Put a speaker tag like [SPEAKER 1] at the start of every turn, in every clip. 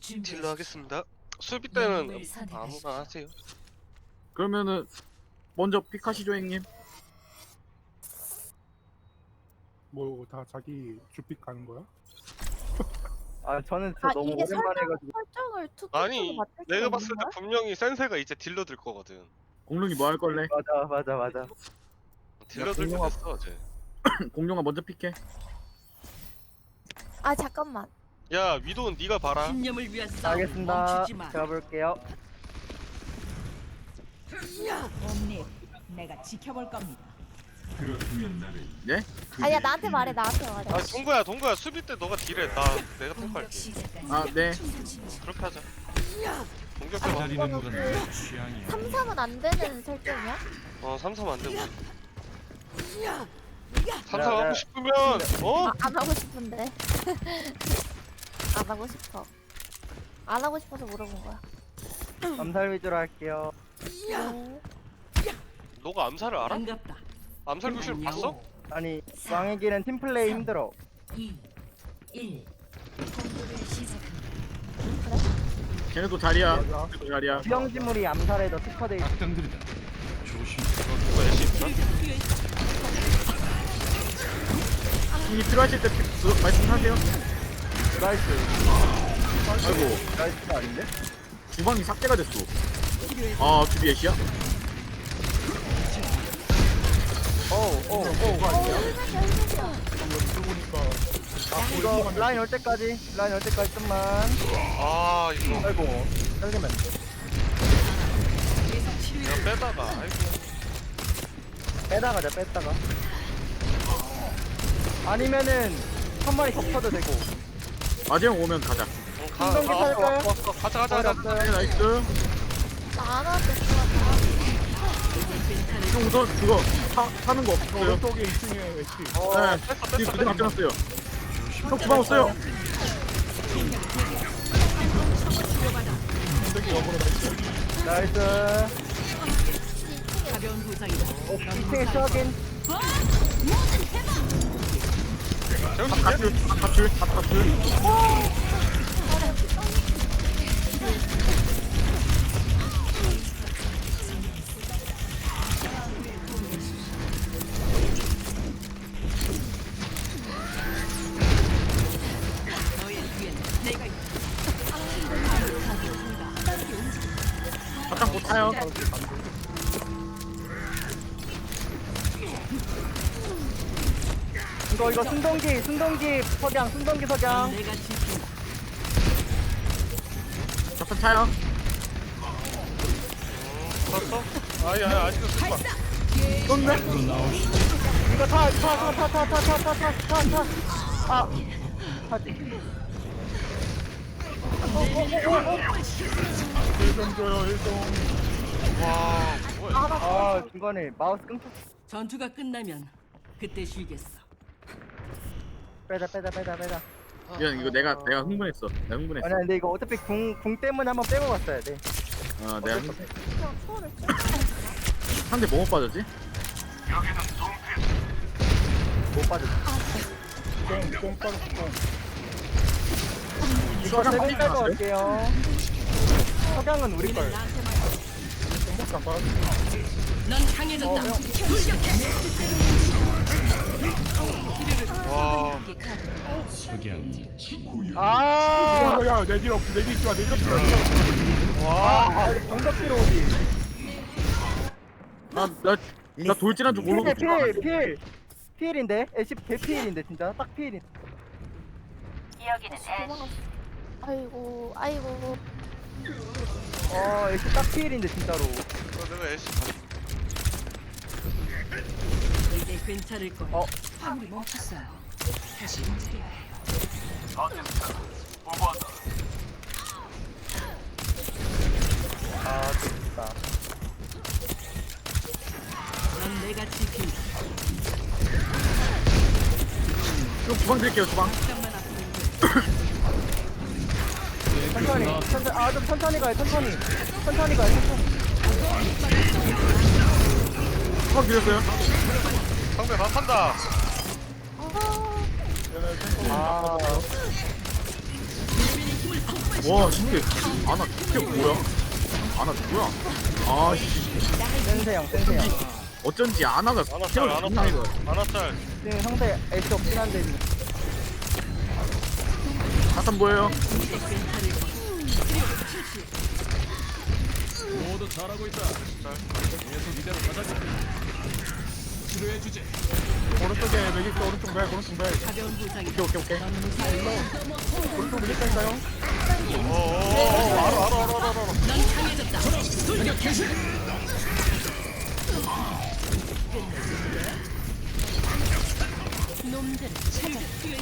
[SPEAKER 1] 딜러 하겠습니다. 수비 때는 아무나 하세요.
[SPEAKER 2] 그러면은 먼저 픽하시죠 형님.
[SPEAKER 3] 뭐 다 자기 주픽 가는 거야?
[SPEAKER 4] 아 저는 진짜 너무
[SPEAKER 5] 이게
[SPEAKER 4] 오랜만에 해가지고
[SPEAKER 5] 설정을 투투투로
[SPEAKER 1] 아니
[SPEAKER 5] 맞출 수가
[SPEAKER 1] 내가
[SPEAKER 5] 있는
[SPEAKER 1] 봤을 때
[SPEAKER 5] 거야?
[SPEAKER 1] 분명히 센세가 이제 딜러 들 거거든.
[SPEAKER 2] 공룡이 뭐 할 걸래?
[SPEAKER 4] 맞아
[SPEAKER 1] 딜러 들게
[SPEAKER 2] 공룡아.
[SPEAKER 1] 됐어 어제.
[SPEAKER 2] 공룡아 먼저 픽해.
[SPEAKER 5] 아 잠깐만.
[SPEAKER 1] 야 위도는 네가 봐라.
[SPEAKER 6] 신념을 위한 싸움
[SPEAKER 4] 알겠습니다.
[SPEAKER 6] 멈추지 마.
[SPEAKER 4] 제가 볼게요.
[SPEAKER 6] 옴니, 내가 지켜볼 겁니다.
[SPEAKER 2] 예?
[SPEAKER 5] 아니야 나한테 말해 나한테 말해.
[SPEAKER 1] 아 동구야 수비 때 너가 딜해. 내가 탱크할게.
[SPEAKER 2] 아 네.
[SPEAKER 1] 그렇게 하자. 공격해봐.
[SPEAKER 5] 이거는 그 3-3은 안 되는 설정이야?
[SPEAKER 1] 3-3 안 되고. 3-3
[SPEAKER 4] 야,
[SPEAKER 1] 하고
[SPEAKER 4] 야.
[SPEAKER 1] 싶으면 어?
[SPEAKER 5] 아, 안 하고 싶은데. 안 하고 싶어. 안 하고 싶어서 물어본 거야.
[SPEAKER 4] 암살 위주로 할게요.
[SPEAKER 5] 네.
[SPEAKER 1] 너가 암살을 알아?
[SPEAKER 6] 반갑다.
[SPEAKER 1] 암살 교실 봤어?
[SPEAKER 4] 아니 왕의 길은 팀플레이 힘들어.
[SPEAKER 6] 2, 1.
[SPEAKER 2] 걔네도 자리야. 걔네도 자리야.
[SPEAKER 4] 수영지물이 암살에도 특화돼 있어.
[SPEAKER 1] 누가 애쉬 있나?
[SPEAKER 2] 형님 필요하실 때 말씀하세요.
[SPEAKER 4] 나이스.
[SPEAKER 2] 아이고
[SPEAKER 4] 나이스가 아닌데?
[SPEAKER 2] 주방이 삭제가 됐어. 아 주비 애쉬야?
[SPEAKER 4] 오오오. 이거 라인 올 때까지 좀만.
[SPEAKER 1] 아 이거
[SPEAKER 4] 아이고 떨리면
[SPEAKER 1] 내가 빼다가 아이고.
[SPEAKER 4] 빼다가자 뺐다가. 아니면은 한 마리 덮쳐도 되고.
[SPEAKER 2] 마재형 오면 가자.
[SPEAKER 4] 신동기 살까요?
[SPEAKER 1] 가자.
[SPEAKER 2] 네 나이스.
[SPEAKER 5] 나안 하도 될것 같아.
[SPEAKER 2] 형 우선 그거 사는 거 없어요.
[SPEAKER 3] 오른쪽에 2층에 애쉬.
[SPEAKER 2] 네. 지금 그대로 앞져놨어요. 형 주방 없어요.
[SPEAKER 3] 되게 역으로 나이스.
[SPEAKER 4] 나이스.
[SPEAKER 6] 가벼운 부상이다.
[SPEAKER 4] 2층에 추하긴.
[SPEAKER 2] 갑줄.
[SPEAKER 6] 너의 뒤엔 내가 있다.
[SPEAKER 2] 바탕 못 타요.
[SPEAKER 4] 이거 순동기 석양.
[SPEAKER 6] 내가 지킨다.
[SPEAKER 2] 바탕 타요.
[SPEAKER 1] 봤어? 아니야 아직도 쓸 거야.
[SPEAKER 2] 쏜네?
[SPEAKER 4] 이거 타. 아, 타지.
[SPEAKER 3] 1점 줘요 1점.
[SPEAKER 1] 와 뭐야?
[SPEAKER 4] 아, 중간에 마우스 끊겼어.
[SPEAKER 6] 전투가 끝나면 그때 쉬겠어.
[SPEAKER 4] 빼자.
[SPEAKER 2] 미안 이거 내가 흥분했어. 내가 흥분했어.
[SPEAKER 4] 아니야, 근데 이거 어차피 궁 때문에 한번 빼고 갔어야 돼.
[SPEAKER 2] 내가
[SPEAKER 5] 그냥 초월을
[SPEAKER 2] 상대 뭐못 빠졌지?
[SPEAKER 4] 못 빠졌어.
[SPEAKER 3] 꽁 빠졌어 꽁.
[SPEAKER 4] 이거
[SPEAKER 2] 석양
[SPEAKER 4] 세금 빼고
[SPEAKER 2] 빠졌어요?
[SPEAKER 4] 갈게요. 석양은 우리 걸.
[SPEAKER 6] 나한테 말해.
[SPEAKER 3] 꽁밖에 안 빠졌어.
[SPEAKER 6] 넌 강해졌다. 돌격해.
[SPEAKER 1] 와
[SPEAKER 4] 아,
[SPEAKER 3] 야 내딜 없어 내딜 좋아 내딜 좋아.
[SPEAKER 4] 와, 정답 필요 오지.
[SPEAKER 2] 나 돌진한 줄 모르고
[SPEAKER 4] 필인데? 애쉬 개필인데 진짜 딱 필인.
[SPEAKER 5] 도망갔어. 아이고.
[SPEAKER 4] 애쉬 딱 필인데 진짜로.
[SPEAKER 1] 내가 애쉬 봤어.
[SPEAKER 6] 이제 괜찮을 거야. 화물이 멈췄어요. 다시 움직여야 해요.
[SPEAKER 4] 아, 좋다.
[SPEAKER 6] 넌 내가 지킨다.
[SPEAKER 2] 좀 주방 드릴게요 주방.
[SPEAKER 6] 잠깐만 앞으로 돼.
[SPEAKER 4] 좀 천천히 가요. 천천히 가요.
[SPEAKER 2] 주방 드렸어요.
[SPEAKER 1] 상대 다 탄다.
[SPEAKER 4] 아,
[SPEAKER 6] 유빈이 힘을
[SPEAKER 2] 와 진짜 아나 진짜 뭐야? 아나 누구야? 아씨
[SPEAKER 4] 센세형 센세형.
[SPEAKER 2] 어쩐지 아나가
[SPEAKER 1] 아나 짤,
[SPEAKER 2] 태울
[SPEAKER 1] 아나
[SPEAKER 2] 존나
[SPEAKER 1] 짤,
[SPEAKER 2] 이거.
[SPEAKER 1] 아나 짤.
[SPEAKER 4] 지금 상대 애쉬 없긴 한데
[SPEAKER 2] 자탄 뭐예요?
[SPEAKER 3] 오른쪽에 맥 있어. 오른쪽 맥. 오른쪽 맥.
[SPEAKER 6] 가벼운 부상이
[SPEAKER 2] 오케이.
[SPEAKER 3] 오른쪽 밀릴 거니까요.
[SPEAKER 1] 알아.
[SPEAKER 6] 넌 강해졌다. 놈들을 찾아.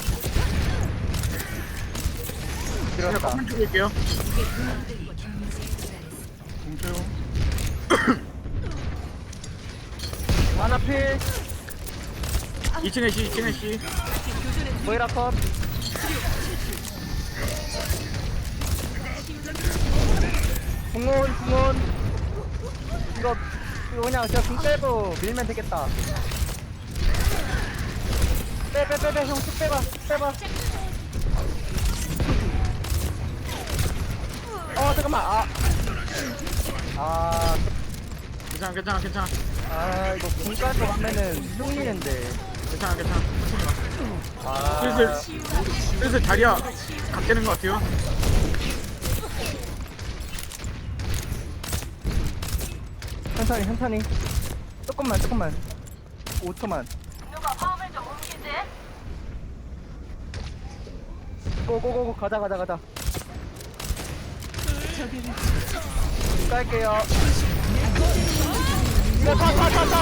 [SPEAKER 2] 그냥
[SPEAKER 4] 들었다.
[SPEAKER 2] 컴퓨터 줄게요.
[SPEAKER 3] 공채용.
[SPEAKER 4] 하나필
[SPEAKER 2] 2층에 C.
[SPEAKER 4] 보이라 컷. 궁원. 이거 그냥 제가 궁 빼고 밀면 되겠다. 빼 형쭉 빼봐. 잠깐만.
[SPEAKER 2] 괜찮아.
[SPEAKER 4] 이거 궁 깔고 하면은 흉리는데.
[SPEAKER 2] 괜찮아. 슬슬 자리야 각되는 것 같아요.
[SPEAKER 4] 천천히. 조금만. 5초만. 고고고고 가자. 깔게요. 이거 타.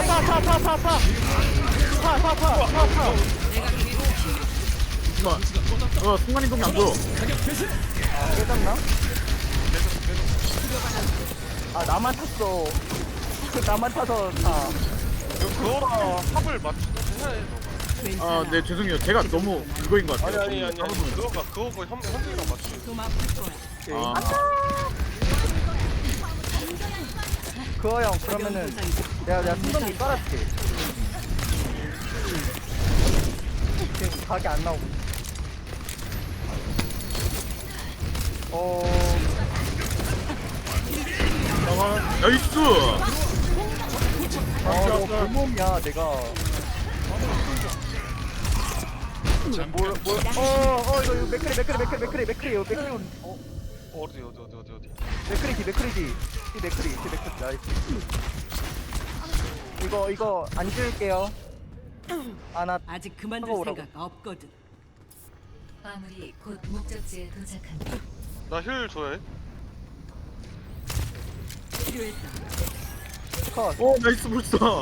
[SPEAKER 2] 이거 순간이동이 안 보여.
[SPEAKER 4] 깨졌나? 나만 탔어. 나만 타서 타.
[SPEAKER 1] 그거랑 합을 맞추면 해.
[SPEAKER 2] 네 죄송해요. 제가 너무 그거인 것 같아요.
[SPEAKER 1] 아니. 그거 현대랑 맞추.
[SPEAKER 6] 좀 아플 거야.
[SPEAKER 4] 그거 형 그러면은 내가 순동기 깔아줄게. 지금 각이 안 나오고.
[SPEAKER 2] 나이스.
[SPEAKER 4] 너 불몸이야 내가. 이거 맥크리.
[SPEAKER 1] 어디.
[SPEAKER 4] 맥크리지. 나이스. 이거 안 지울게요. 나
[SPEAKER 6] 아직 그만둘
[SPEAKER 4] 하고 오라고.
[SPEAKER 6] 생각 없거든.
[SPEAKER 7] 아무리 곧 목적지에 도착한다.
[SPEAKER 1] 나 힐 줘야 해.
[SPEAKER 6] 필요했다.
[SPEAKER 4] 컷.
[SPEAKER 2] 나이스 불사.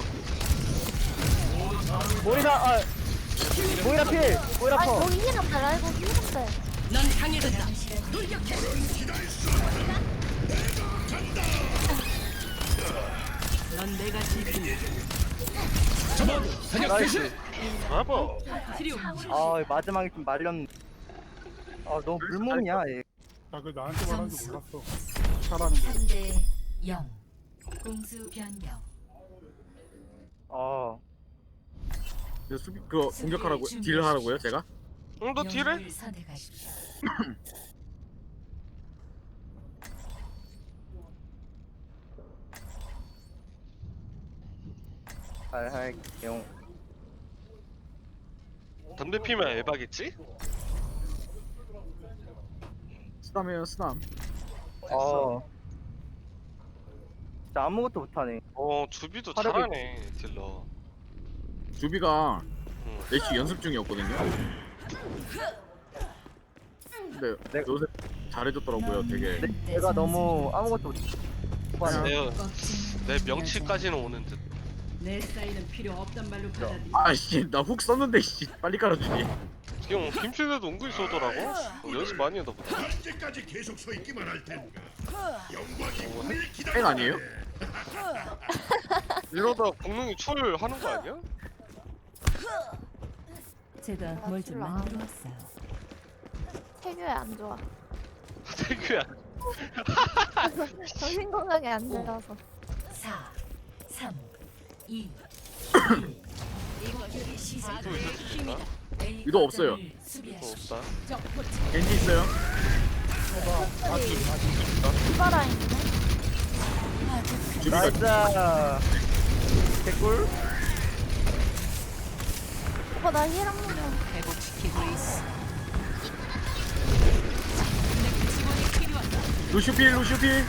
[SPEAKER 4] 모이라 필. 모이라
[SPEAKER 5] 아니
[SPEAKER 4] 컷.
[SPEAKER 5] 거기 힐 없다. 라이브 힐 없다.
[SPEAKER 6] 넌 강해졌다. 넌 내가 지킨
[SPEAKER 4] 나이스.
[SPEAKER 1] 봐봐.
[SPEAKER 6] 치료.
[SPEAKER 4] 마지막에 좀 말렸네. 너무 물몸이야 얘.
[SPEAKER 3] 그 나한테 말하는 줄 몰랐어. 잘하는 거.
[SPEAKER 7] 3대 0. 공수 변경.
[SPEAKER 2] 이거 수비 그거 공격하라고 딜 하라고요 제가?
[SPEAKER 1] 너 딜해?
[SPEAKER 7] 영웅을 선택하십시오.
[SPEAKER 4] 잘 할게요.
[SPEAKER 1] 담배 피면 에바겠지?
[SPEAKER 2] 쓰담이에요 쓰담.
[SPEAKER 4] 진짜 아무것도 못하네.
[SPEAKER 1] 주비도
[SPEAKER 4] 화력이-
[SPEAKER 1] 잘하네 딜러.
[SPEAKER 2] 주비가
[SPEAKER 1] 응.
[SPEAKER 2] 내시 연습 중이었거든요. 근데
[SPEAKER 4] 내가-
[SPEAKER 2] 요새 잘해줬더라고요 되게.
[SPEAKER 4] 내가 너무 아무것도 못하네.
[SPEAKER 1] 내 명치까지는 오는 듯.
[SPEAKER 6] 내 사인은 필요 없단 말로 받아들이.
[SPEAKER 2] 아씨 나 훅 썼는데 씨 빨리 깔아주지.
[SPEAKER 1] 지금 김필대도 은근히 쏘더라고. 연습 많이 하다 보다.
[SPEAKER 8] 언제까지 계속 서 있기만 할 텐가. 영광이 우리를
[SPEAKER 2] 팬
[SPEAKER 8] 기다려.
[SPEAKER 2] 아니에요?
[SPEAKER 1] 이러다 공룡이 초를 하는 거 아니야?
[SPEAKER 7] 제가 뭘 좀
[SPEAKER 5] 몰라.
[SPEAKER 7] 만들어 왔어요.
[SPEAKER 5] 태교에 안 좋아.
[SPEAKER 1] 태규야.
[SPEAKER 5] 정신 건강에 안 좋아서.
[SPEAKER 7] 4, 3, 2, 1. 공격이 시작됩니다.
[SPEAKER 1] 또 있을 수 있나?
[SPEAKER 2] 유도 없어요.
[SPEAKER 7] 수비하십시오.
[SPEAKER 1] 없다.
[SPEAKER 2] 겐지 있어요?
[SPEAKER 5] 디바라인이네.
[SPEAKER 2] 주비가
[SPEAKER 4] 나이스. 개꿀.
[SPEAKER 5] 오빠 나 힐한 번만.
[SPEAKER 6] 회복시키고 있어. 내 지원이 필요하다.
[SPEAKER 2] 루시필 루시필.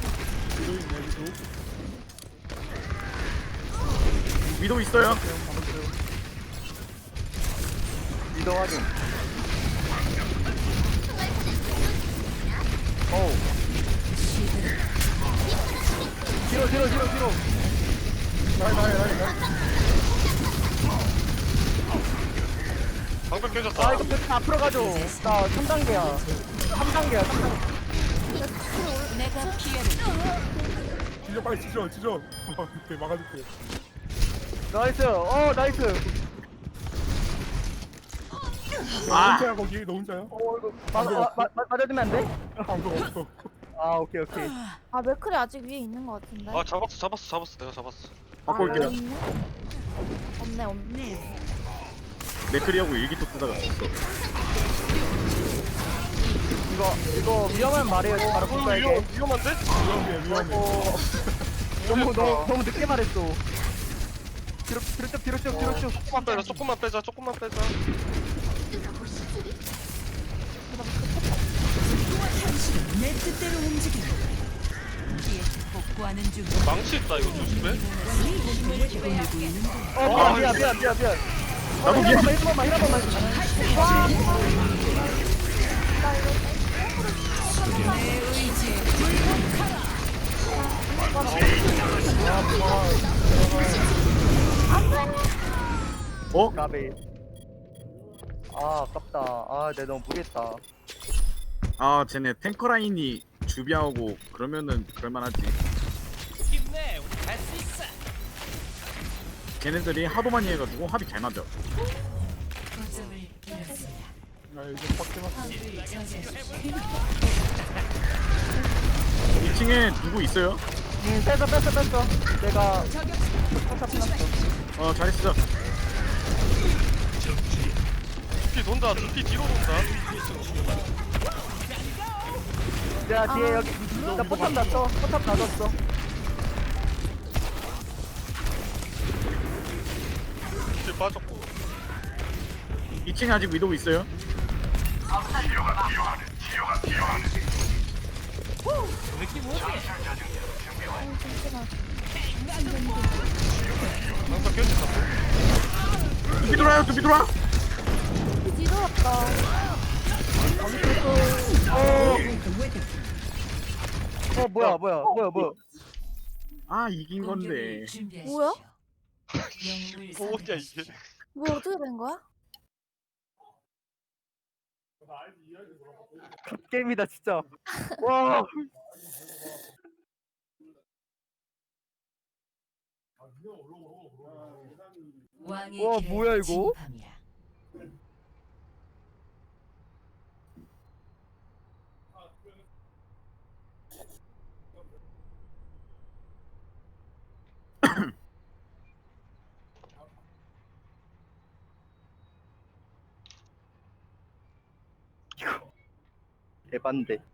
[SPEAKER 2] 위도 있어요.
[SPEAKER 4] 위도 확인. 어우. 뒤로.
[SPEAKER 1] 방금
[SPEAKER 4] 아
[SPEAKER 1] 깨졌다.
[SPEAKER 4] 이거 백 앞으로 가줘. 나 3단계야. 3단계야.
[SPEAKER 6] 내가 피해를
[SPEAKER 3] 찢어 빨리 찢어. 이렇게 막아줄게.
[SPEAKER 4] 나이스. 나이스.
[SPEAKER 3] 너
[SPEAKER 2] 아.
[SPEAKER 3] 혼자야 거기? 너 혼자야?
[SPEAKER 4] 이거 맞아주면 안 돼?
[SPEAKER 3] 방금 없어.
[SPEAKER 4] 아 오케이.
[SPEAKER 5] 아 맥클이 아직 위에 있는 것 같은데.
[SPEAKER 1] 아 잡았어. 내가 잡았어.
[SPEAKER 2] 바꿔올게요.
[SPEAKER 5] 여기 있네? 없네.
[SPEAKER 2] 맥크리하고 일기토 쓰다가 죽었어.
[SPEAKER 4] 이거 위험한 말이에요. 바로 볼까요?
[SPEAKER 1] 위험한데?
[SPEAKER 3] 위험해.
[SPEAKER 4] 너무 늦게 말했어. 뒤로 쭉.
[SPEAKER 1] 조금만 빼자.
[SPEAKER 6] 내 뜻대로 움직여. 뒤에 복구하는 중.
[SPEAKER 1] 망치 있다 이거 조심해.
[SPEAKER 6] 보내고 있는
[SPEAKER 4] 미안.
[SPEAKER 2] 나도 미안.
[SPEAKER 4] 한 번만.
[SPEAKER 6] 내 의지에
[SPEAKER 2] 어?
[SPEAKER 4] 가베. 아 아깝다. 내가 너무 무리했다.
[SPEAKER 2] 아 쟤네 탱커 라인이 주비하고 그러면은 그럴만하지. 걔네들이 하도 많이 해가지고 합이 잘 맞아.
[SPEAKER 7] 거점을 잃었습니다.
[SPEAKER 3] 나 이제 빡 해봤어.
[SPEAKER 7] 화물을 저지하십시오.
[SPEAKER 2] 2층에 누구 있어요?
[SPEAKER 4] 뺐어. 내가 포탑 해놨어.
[SPEAKER 2] 잘했어.
[SPEAKER 1] 두피 뒤로 돈다.
[SPEAKER 4] 야 뒤에 여기 나 포탑 놨어. 포탑 놔뒀어.
[SPEAKER 1] 두피 빠졌고.
[SPEAKER 2] 2층에 아직 위도우 있어요.
[SPEAKER 1] 항상 깨졌다.
[SPEAKER 2] 두비 돌아.
[SPEAKER 5] 뒤로 왔다.
[SPEAKER 4] 뭐야.
[SPEAKER 2] 아 이긴 건데.
[SPEAKER 7] 공격을 준비하십시오.
[SPEAKER 5] 뭐야?
[SPEAKER 7] 영웅을
[SPEAKER 1] 뭐냐 이게?
[SPEAKER 7] 선택하십시오.
[SPEAKER 5] 뭐 어떻게 된 거야?
[SPEAKER 4] 게임이다 진짜. 와.
[SPEAKER 7] 왕의
[SPEAKER 4] 와,
[SPEAKER 7] 길에
[SPEAKER 4] 뭐야, 이거?
[SPEAKER 7] 진입합니다.
[SPEAKER 4] 대반대.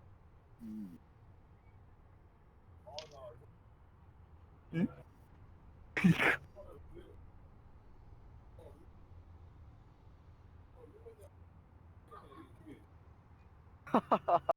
[SPEAKER 4] 응?